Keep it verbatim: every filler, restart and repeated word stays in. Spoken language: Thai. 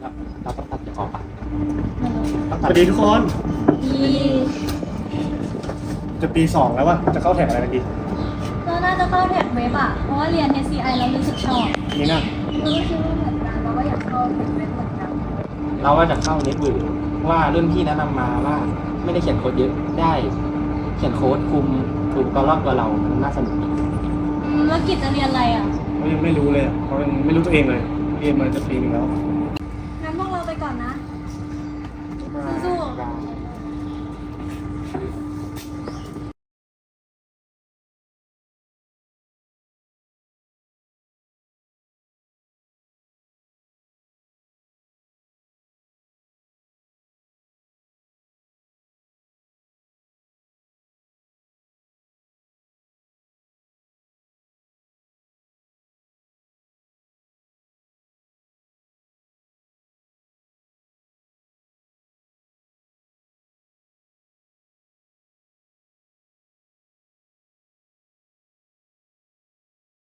เราเราต้องตัดจะออกปะสวัสดีทุกคนดีจะปีสองแล้ววะจะเข้าแถวอะไรกันดีเราน่าจะเข้าแท็กเว็บอ่ะ เพราะว่าเรียน เอส ซี ไอ เรารู้สึกชอบนี่นะเราก็คิดว่าเหมือนกันเราก็อยากเข้าแท็กเว็บเหมือนกันเราก็จะเข้าเน็ตเวิร์กว่ารุ่นพี่แนะนำมาว่าไม่ได้เขียนโค้ดเยอะได้เขียนโค้ดคุมคุมตัวรอบตัวเรามันน่าสนุกดีอืมแล้วกิจจะเรียนอะไรอ่ะเขายังไม่รู้เลยอะเขายังไม่รู้ตัวเองเลยเรียนมาจะปีนึงแล้วงั้นพวกเราไปก่อนนะโ